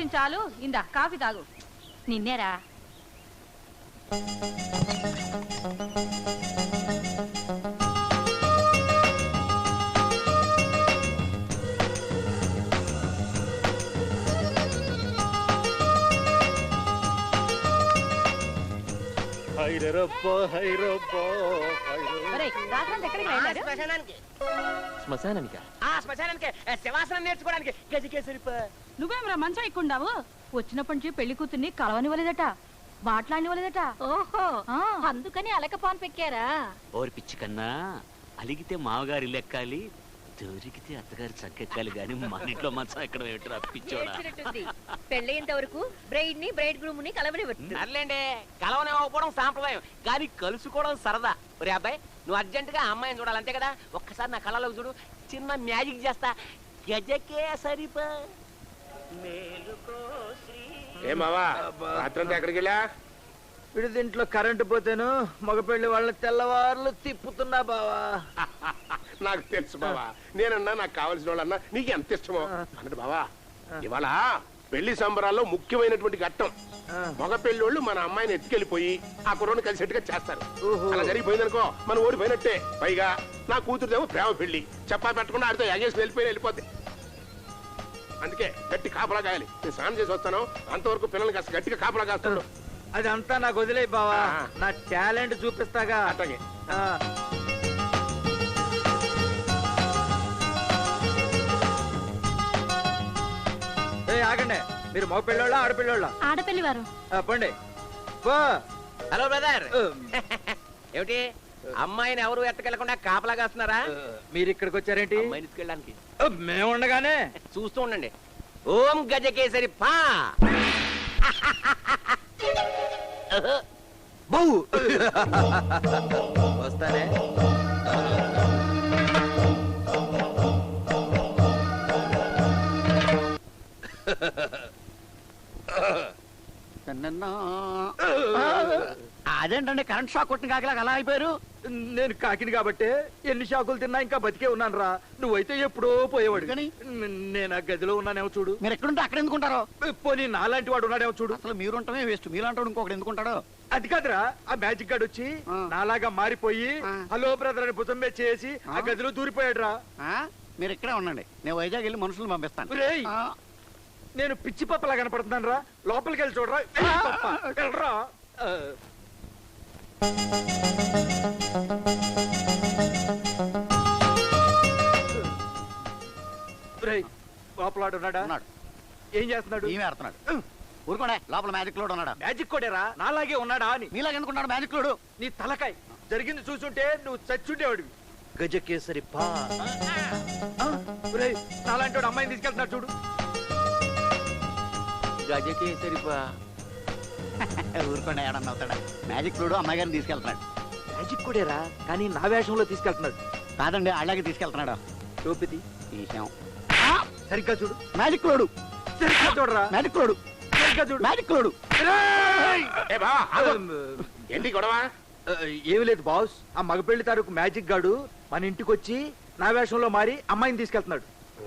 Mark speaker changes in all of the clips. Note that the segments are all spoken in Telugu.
Speaker 1: చాలు ఇందా కాఫీ తాగు. నిన్నేరా
Speaker 2: శివాసనం నేర్చుకోవడానికి
Speaker 1: నువ్వేమరా మంచం ఎక్కుండావు? వచ్చినప్పటి నుంచి పెళ్లి కూతుర్ని కలవనివ్వలేదట, మాట్లాడినివ్వలేదట. ఓహో, అందుకని అలకపాన్ పెక్కారా?
Speaker 3: ఓరి పిచ్చి కన్నా, అలిగితే మామగారి లెక్కాలి, దొరికితే అత్తగారి చక్కెక్కాలి గాని మన ఇంట్లో మంచం ఎక్కడ పెట్టరా పిచ్చోడా.
Speaker 1: పెళ్ళేంత వరకు బ్రైడ్ ని బ్రైడ్ గ్రూమ్ ని
Speaker 2: కలవనివ్వండి. కలవనివ్వకపోవడం సాంప్రదాయం, కానీ కలుసుకోవడం సరదా. ఒరే అబ్బాయి, నువ్వు అర్జెంట్ గా అమ్మాయిని చూడాలంతే కదా, ఒక్కసారి నా కళ్ళలోకి చూడు, చిన్న మ్యాజిక్ చేస్తా. గజకే సరిపా
Speaker 4: రాత్రంతా ఎక్కడికి వెళ్ళా?
Speaker 5: విడిదింట్లో కరెంటు పోతేను మగపెళ్లి వాళ్ళని తెల్లవారులు తిప్పుతున్నా బావా.
Speaker 4: నాకు తెలుసు బావా, నేనన్నా నాకు కావాల్సిన వాళ్ళన్నా నీకు ఎంత ఇష్టమో అన్నట్టు బావా. ఇవాళ పెళ్లి సంబరాల్లో ముఖ్యమైనటువంటి ఘట్టం. మగ పెళ్లి వాళ్ళు మన అమ్మాయిని ఎత్తుకెళ్లిపోయి ఆ కుర్రను కలిసేట్టుగా చేస్తారు. అలా జరిగిపోయిందనుకో మనం ఓడిపోయినట్టే. పైగా నా కూతురుదేమో ప్రేమ పెళ్లి, చెప్పా పెట్టకుండా ఆడితో ఎగేసి వెళ్ళిపోతే. అందుకే గట్టి కాపలా కాయాలి. నేను స్నానం చేసి వస్తాను, అంతవరకు పిల్లల్ని కాస్త గట్టిగా కాపలా కాస్తాడు.
Speaker 5: అదంతా నాకు వదిలే బావా, నా టాలెంట్ చూపిస్తాగా.
Speaker 4: అట్లాగే.
Speaker 5: ఆగండి, మీరు మగ పెళ్ళోళ్ళ ఆడపిల్లోళ్ళ?
Speaker 1: ఆడపిల్లి వారు.
Speaker 5: పండి.
Speaker 2: హలో బ్రదర్, ఏమిటి అమ్మాయిని ఎవరు ఎత్తకెళ్లకుండా కాపలా కాస్తున్నారా?
Speaker 5: మీరు ఇక్కడికి వచ్చారేంటి?
Speaker 2: అమ్మాయిని తీసుకెళ్ళడానికి.
Speaker 5: మేము ఉండగానే
Speaker 2: చూస్తూ ఉండండి. ఓం గజకేసరి పా.
Speaker 5: వస్తానే.
Speaker 3: అదేంటండి కరెంట్ షాక్ కొట్టిన కాకిలాగా అలా అయిపోయారు?
Speaker 5: నేను కాకిని కాబట్టి ఎన్ని షాకులు తిన్నా ఇంకా బతికే ఉన్నాను రా. నువ్వైతే ఎప్పుడో పోయేవాడు. నేను ఆ గదిలో ఉన్నానేమో చూడు.
Speaker 3: మీరు ఎక్కడుంటే అక్కడ ఎందుకుంటారో?
Speaker 5: పోనీ నాలాంటి వాడు ఉన్నాడేమో చూడు.
Speaker 3: అసలు మీరుంటమే వేస్ట్, మీలాంటి వాడు ఇంకొకటి ఎందుకుంటాడో?
Speaker 5: అది కాదురా, ఆ మ్యాజిక్ గార్డ్ వచ్చి నాలాగా మారిపోయి హలో బ్రదర్ అని భుజం మీద చేసి ఆ గదిలో దూరిపోయాడు రా.
Speaker 3: మీరు ఇక్కడే ఉండండి, నేను వైజాగ్ వెళ్ళి మనుషులు పంపిస్తాను.
Speaker 5: నేను పిచ్చి పప్పలా కనపడుతున్నాను రా. లోపలికి వెళ్ళి చూడరా. వెళ్ళరా. లోపలాడు ఉన్నాడా? ఏం చేస్తున్నాడు?
Speaker 3: ఊరుకోండి, లోపల మ్యాజిక్ లోడ్ ఉన్నాడా?
Speaker 5: మ్యాజిక్ కోడేరా, నాలాగే ఉన్నాడా అని.
Speaker 3: మీలాగే ఎందుకున్నాడు మ్యాజిక్ లోడు?
Speaker 5: నీ తలకాయ జరిగింది చూసుంటే నువ్వు చచ్చుండేవాడివి. గజకేసరి పా. నాలాంటి వాడు అమ్మాయిని తీసుకెళ్తున్నాడు చూడు.
Speaker 2: గజకేసరి పా.
Speaker 3: ఊరుకోండి, ఏడన్నా అవుతాడా? మ్యాజిక్ లోడు అమ్మాయి గారిని తీసుకెళ్తున్నాడు.
Speaker 5: మ్యాజిక్ కోడేరా, కానీ నా వేషంలో తీసుకెళ్తున్నాడు.
Speaker 3: కాదండి, అలాగే తీసుకెళ్తున్నాడు.
Speaker 5: చూపిది
Speaker 3: తీసాం.
Speaker 5: సరిగ్గా చూడు.
Speaker 3: Magic load.
Speaker 5: సరిగ్గా చూడరా.
Speaker 3: Magic load.
Speaker 5: సరిగ్గా చూడు.
Speaker 3: Magic load.
Speaker 4: ఏంటి గొడవ?
Speaker 5: ఏమి లేదు బాస్, ఆ మగపెళ్లి తాలూకు మ్యాజిక్ గాడు మన ఇంటికి వచ్చి నా వేషంలో మారి అమ్మాయిని తీసుకెళ్తున్నాడు.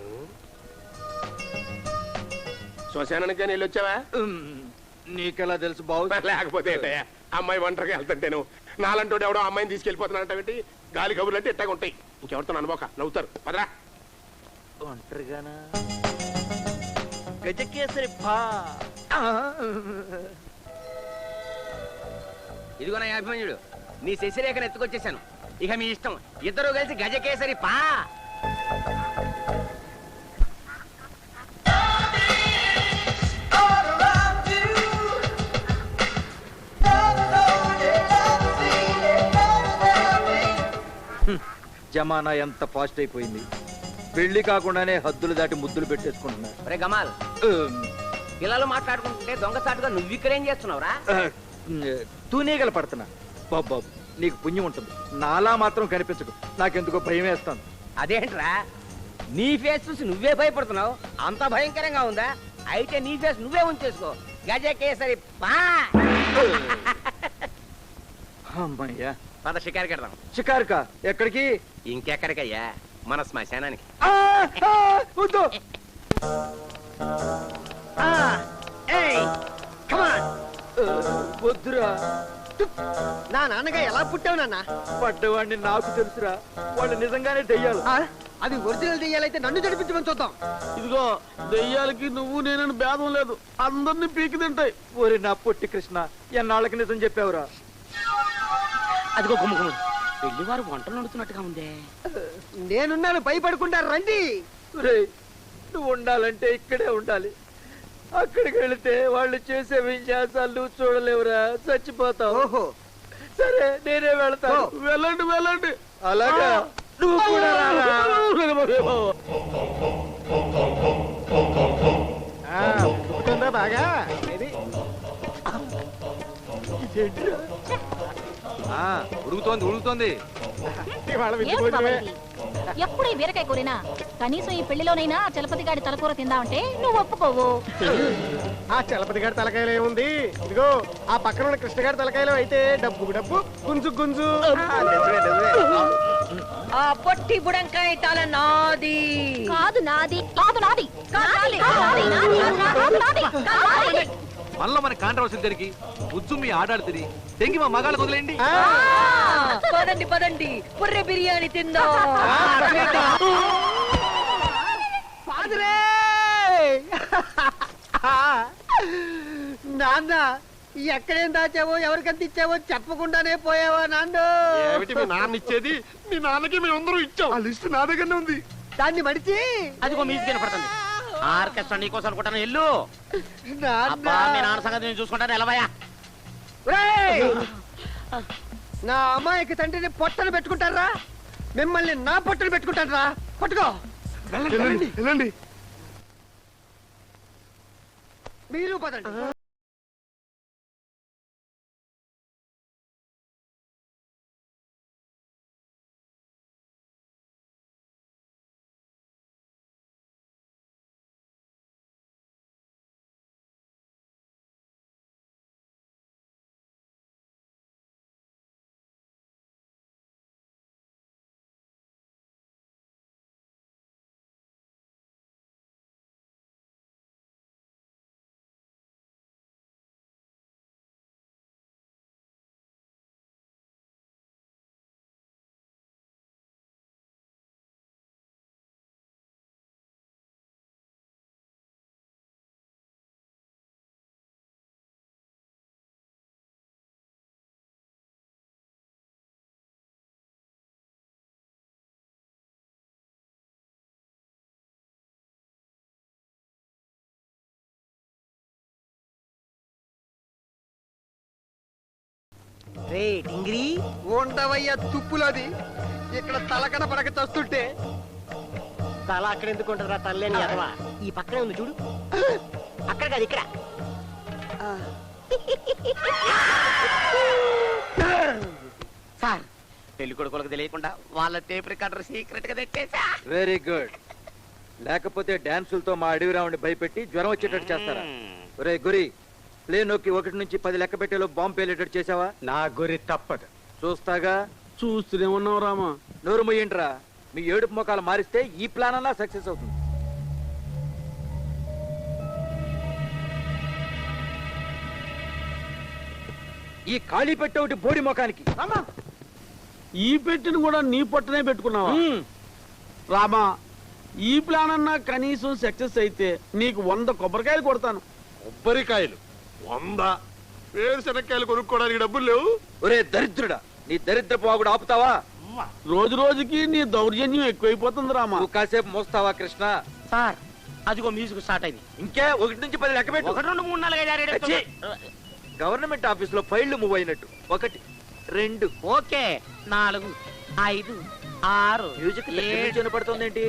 Speaker 4: శ్మశానానికి కానీ వెళ్ళి వచ్చావా?
Speaker 5: నీకెలా తెలుసు బాస్?
Speaker 4: లేకపోతే ఏంటయ్యా, అమ్మాయి ఒంటరిగా వెళ్తుంటేను నాలంటోడు ఎవడో అమ్మాయిని తీసుకెళ్ళిపోతున్నాడంటే గాలి కబుర్లు అంటే ఎట్టాగా ఉంటాయి. ఇంకెవరితో అనుభవ నవ్వుతారు. పదరా.
Speaker 5: ఒంటరిగానా? గజకేసరి పా.
Speaker 2: ఇదిగో నా అభిమన్యుడు, నీ శశిరేఖను ఎత్తుకొచ్చేసాను. ఇక మీ ఇష్టం, ఇద్దరు కలిసి గజకేసరి పా.
Speaker 5: జమానా ఎంత ఫాస్ట్ అయిపోయింది. పెళ్లి కాకుండానే హద్దులు దాటి ముద్దులు పెట్టేసుకుంటున్నారు.
Speaker 2: రే గమాల్, పిల్లలు మాట్లాడుకుంటుంటే దొంగసాటుగా నువ్వు ఇక్కడేం చేస్తున్నావురా?
Speaker 5: తూనీగలు పడుతున్నా. బాబు, నీకు పుణ్యం ఉంటుంది. నాలా మాత్రం కనిపించకు, నాకెందుకో భయం వేస్తాను.
Speaker 2: అదేంట్రా, నీ ఫేస్ చూసి నువ్వే భయపడుతున్నావు? అంత భయంకరంగా ఉందా? అయితే నీ ఫేస్ నువ్వే ఉంచేసుకో. గజకేసరి పా.
Speaker 5: అమ్మయ్యా,
Speaker 2: పద షికారుకి వెళ్దాం.
Speaker 5: షికారుకా? ఎక్కడికి?
Speaker 2: ఇంకెక్కడికయ్యా, మన శ్మశానానికి.
Speaker 5: వద్దురా.
Speaker 6: నా నాన్నగా ఎలా పుట్టావు నాన్న?
Speaker 5: పడ్డవాడిని నాకు తెలుసురా. వాళ్ళు నిజంగానే దెయ్యాలు.
Speaker 6: అది ఒరిజినల్ దెయ్యాలైతే నన్ను జడిపించమని చూద్దాం.
Speaker 7: ఇదిగో దెయ్యాలకి నువ్వు నేనని భేదం లేదు, అందరినీ పీకి తింటాయి.
Speaker 5: ఓరి నా పొట్టి కృష్ణ, ఎన్నాళ్ళకి నిజం చెప్పావురా.
Speaker 2: అదిగో గుమ్మ పెళ్లి వారు వంటలు నడుతున్నట్టుగా ఉందే.
Speaker 6: నేనున్నాను, భయపడకుండా రండి.
Speaker 5: రేయ్, నువ్వు ఉండాలంటే ఇక్కడే ఉండాలి. అక్కడికి వెళితే వాళ్ళు చేసే విన్యాసాలు నువ్వు చూడలేవురా, చచ్చిపోతావు.
Speaker 6: ఓహో,
Speaker 5: సరే నేనే వెళ్తాను.
Speaker 7: వెళ్ళండి వెళ్ళండి.
Speaker 5: అలాగా నువ్వు కూడా రారా.
Speaker 6: పుట్టుకుందా బాగా? ఇది
Speaker 5: ఉడుకుతోంది ఉడుకుతోంది.
Speaker 6: ఇవాళ
Speaker 1: ఏమిటి బాబా ఇది? ఎప్పుడు ఈ బీరకాయ కూరినా కనీసం ఈ పెళ్లిలోనైనా చలపతి గాడి తలకూర తిందామంటే నువ్వు ఒప్పుకోవు.
Speaker 6: ఆ చలపతి గారి తలకాయలో ఏముంది? ఇదిగో ఆ పక్కన ఉన్న కృష్ణ గారి తలకాయలో అయితే డబ్బు డబ్బు, గుంజు గుంజు.
Speaker 1: ఆ పొట్టి బుడంకాయ తల నాది కాదు, నాది కాదు, నాది కాదు, నాది, నాది, కాదు, నాది, కాదు.
Speaker 5: మనలో మన కాంట్రవర్సీ జరిగి బుజ్జు మీ ఆడాడు తిరిగి తెంగి మా మగాళ్ళ వదిలేండి.
Speaker 1: పదండి పదండి, పుర్రె బిర్యానీ తిందా.
Speaker 6: ఫాదరే! నాన్న, ఎక్కడేం దాచావో ఎవరికంత ఇచ్చావో చెప్పకుండానే పోయావా నాన్న?
Speaker 4: ఏమిటి మీ నాన్న ఇచ్చేది? మీ నాన్నకి మేమందరం ఇచ్చాం. ఆ లిస్ట్ నా దగ్గరనే ఉంది.
Speaker 6: దాన్ని మడిచి
Speaker 2: అదిగో మ్యూజిక్ వినపడుతుంది. ఆర్కెస్ట్రా నీకోసం అనుకుంటాను, ఎల్లు. అబ్బా మీ నాన్న సంగతి నేను చూసుకుంటాను, ఎలవయా.
Speaker 6: ఒరేయ్! నా అమ్మాయికి తండ్రిని పొట్టను పెట్టుకుంటారా? మిమ్మల్ని నా పొట్టను పెట్టుకుంటారా? పట్టుకో.
Speaker 4: వెళ్ళండి వెళ్ళండి.
Speaker 6: మీరు పదండి. ఉండవయ్యా తుప్పులోది. ఇక్కడ తలకన పడక చస్తుంటే
Speaker 2: తల అక్కడ ఎందుకు ఉంటారా తల్లేని అదవా? ఈ పక్కనే ఉంది చూడు, అక్కడ కాదు ఇక్కడ. సార్, పెళ్లి కొడుకులకు తెలియకుండా వాళ్ళ టేప్ రికార్డర్ సీక్రెట్ గా తెట్టేసా.
Speaker 5: Very good. లేకపోతే డాన్సులతో మా అడవి రావుని భయపెట్టి జ్వరం వచ్చేటట్టు చేస్తారా? ఒరే గురి, ప్లే నొక్కి 1 నుంచి 10 లెక్క పెట్టేలో బాంబు పేలేటట్టు చేసావా?
Speaker 6: నా గురి తప్పదు.
Speaker 5: చూస్తాగా.
Speaker 7: చూస్తూనే ఉన్నావు రామా.
Speaker 5: నోరు మొయ్యంట్రా. మీ ఏడుపు ముఖాలు మారిస్తే ఈ ప్లాన్ అన్నా సక్సెస్ అవుతుంది. ఈ ఖాళీ పెట్టే ఒకటి బోడి ముఖానికి.
Speaker 7: ఈ పెట్టిన కూడా నీ పొట్టనే పెట్టుకున్నావా? రామా, ఈ ప్లాన్ అన్నా కనీసం సక్సెస్ అయితే నీకు 100 కొబ్బరికాయలు కొడతాను.
Speaker 4: కొబ్బరికాయలు 100? వేరుశనక్కాయలు కొనుక్కోవడానికి డబ్బులు లేవు.
Speaker 5: ఒరే దరిద్రుడా, నీ దరిద్ర పోగుడు ఆపుతావా?
Speaker 7: రోజు రోజుకి నీ దౌర్జన్యం ఎక్కువైపోతుంది రామా.
Speaker 5: నువ్వు కాసేపు మోస్తావా కృష్ణ?
Speaker 2: సార్, అదిగో మ్యూజిక్ స్టార్ట్ అయింది.
Speaker 5: ఇంకే 1 నుంచి 10 లెక్క పెట్టు.
Speaker 2: 1 2 3 4 5 6 7
Speaker 5: గవర్నమెంట్ ఆఫీస్ లో ఫైళ్లు మూవ్ అయినట్టు. 1 2.
Speaker 2: ఓకే, 4 5 6
Speaker 5: మ్యూజిక్
Speaker 2: 7
Speaker 5: వినపడుతుందేంటి?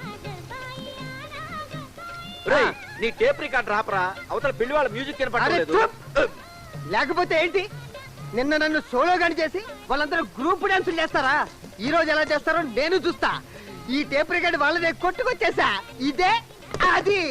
Speaker 5: రేయ్, నీ టేప్ రికార్డ్ రాపరా. అవతల పెళ్లి వాళ్ళ మ్యూజిక్
Speaker 6: అరే
Speaker 5: వినపడలేదు.
Speaker 6: చూప్. లేకపోతే ఏంటి? నిన్న నన్ను సోలో గాని చేసి వాళ్ళందరూ గ్రూప్ డాన్సులు చేస్తారా? ఈ రోజు ఎలా చేస్తారో నేను చూస్తా. ఈ టేప్ రికార్డ్ వాళ్ళదే కొట్టుకొచ్చేసా. ఇదే అది.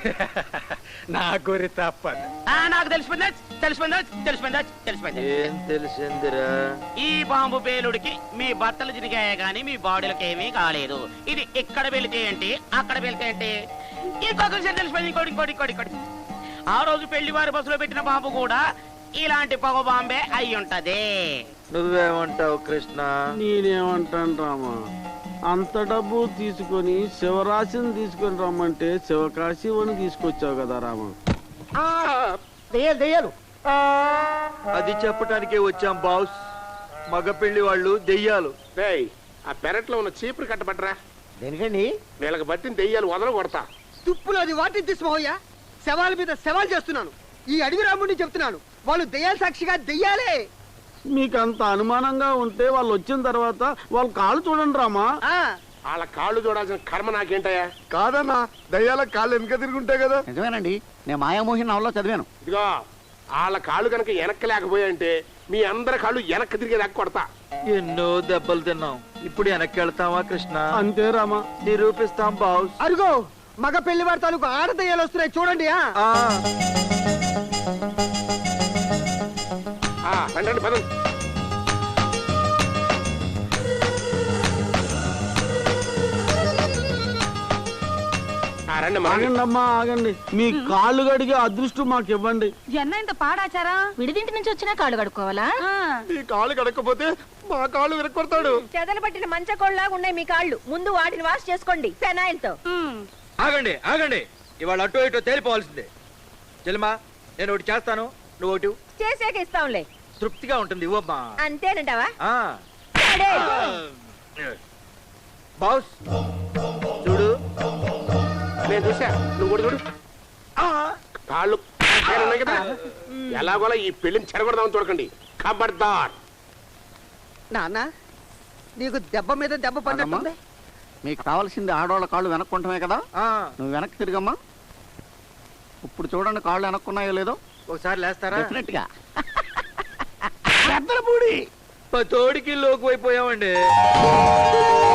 Speaker 8: నా గురి తప్పదు.
Speaker 2: నాకు తెలిసిపోయింది.
Speaker 5: ఏం తెలిసిందిరా?
Speaker 2: ఈ బాంబు పేలుడికి మీ బట్టలు చిరిగాయే గాని మీ బాడీలకు ఏమీ కాలేదు. ఇది ఇక్కడ వెళితే ఏంటి, అక్కడ వెళితే ఏంటి. ఇంకొక విషయం తెలిసిపోయింది. ఇంకోటి. ఆ రోజు పెళ్లి వారి బస్సులో పెట్టిన బాంబు కూడా ఇలాంటి పొగ బాంబే అయి ఉంటది.
Speaker 5: నువ్వేమంటావు కృష్ణ?
Speaker 7: నేనేమంటాను రామా, అంత డబ్బు తీసుకొని శివరాశిని తీసుకొని రమ్మంటే శివకాశివని తీసుకొచ్చావు కదా రామా.
Speaker 6: దెయ్యాలు
Speaker 5: అది చెప్పటానికే వచ్చాం బాస్. మగ పెళ్లి వాళ్ళు దెయ్యాలు.
Speaker 4: రేయ్, ఆ పెరట్లో ఉన్న చీపురు కట్టబట్టరా.
Speaker 6: దేనికండి?
Speaker 4: వీళ్ళకి బట్టిన దెయ్యాలు వదల కొడతా.
Speaker 6: తుప్పులు అది వాటిని తీసుకోవయ్యా. శవాల మీద సవాల్ చేస్తున్నాను. ఈ అడవి రాముడిని చెప్తున్నాను, వాళ్ళు దెయ్యాల సాక్షిగా దెయ్యాలే.
Speaker 7: మీకు అంత అనుమానంగా ఉంటే వాళ్ళు వచ్చిన తర్వాత వాళ్ళ కాళ్ళు చూడండి రామా.
Speaker 4: వాళ్ళ కాళ్ళు చూడాల్సిన కర్మ నాకేంటయ్యా?
Speaker 8: కాదన్నా, దయ్యాల కాళ్ళు వెనక తిరుగుంటాయి కదా.
Speaker 6: నిజమేనండి, నేను మాయామోహిని నవల్లో చదివాను.
Speaker 4: ఇదిగో, వాళ్ళ కాళ్ళు కనుక వెనక్కి లేకపోయాయంటే మీ అందరి కాళ్ళు వెనక్కి తిరిగేదాకా కొడతా.
Speaker 5: ఎన్నో దెబ్బలు తిన్నాం, ఇప్పుడు వెనక్కి వెళ్తావా కృష్ణ?
Speaker 7: అంతే రామా.
Speaker 5: నిరూపిస్తాం బాస్.
Speaker 6: అరుగో, మగ పెళ్లి వారి తాలూకు ఆడ దెయ్యాలు వస్తున్నాయి చూడండి.
Speaker 4: రండి పదండి. రండి
Speaker 7: ఆగండి అమ్మా, ఆగండి. మీ కాళ్ళు గడిగే అదృష్టం మాకు ఇవ్వండి.
Speaker 1: జన్న ఇంత పాడాచారా? విడిదింటి నుంచి వచ్చినా కాళ్ళు కడుక్కోవాలా?
Speaker 8: ఈ కాళ్ళు కడకపోతే మా కాళ్ళు విరక్కొడతాడు.
Speaker 1: చెదలు పట్టిన మంచకోళ్ళలాగా ఉన్నాయి మీ కాళ్ళు. ముందు వాటిని వాష్ చేసుకోండి ఫెనాయిల్తో.
Speaker 5: ఆగండి, ఇవాళ అటో ఇటో తేలిపోవాల్సిందే. చెల్లిమా, నేను ఒకటి చేస్తాను, నువ్వు ఒకటి.
Speaker 1: చేసాక ఇస్తాంలే.
Speaker 5: తృప్తిగా ఉంటుంది, ఇవ్వమ్మా.
Speaker 1: అంతేనంటావా?
Speaker 5: సరే. బాస్ చూడు.
Speaker 4: నేను చూసా, నువ్వు కూడా చూడు. కాళ్ళు ఉన్నాయి కదా, ఎలాగోలా ఈ పెళ్లిని చెరగొడదామని చూడకండి. ఖబర్దార్.
Speaker 6: నాన్న, నీకు దెబ్బ మీద దెబ్బ పడినట్టుంది.
Speaker 9: మీకు కావాల్సింది ఆడవాళ్ళ కాళ్ళు వెనక్కుంటమే కదా. నువ్వు వెనక్కి తిరిగమ్మా. ఇప్పుడు చూడండి కాళ్ళు వెనక్కున్నాయో లేదో.
Speaker 5: ఒకసారి లేస్తారా?
Speaker 9: డెఫినెట్ గా.
Speaker 5: తోడికి లోకి అయిపోయామండి.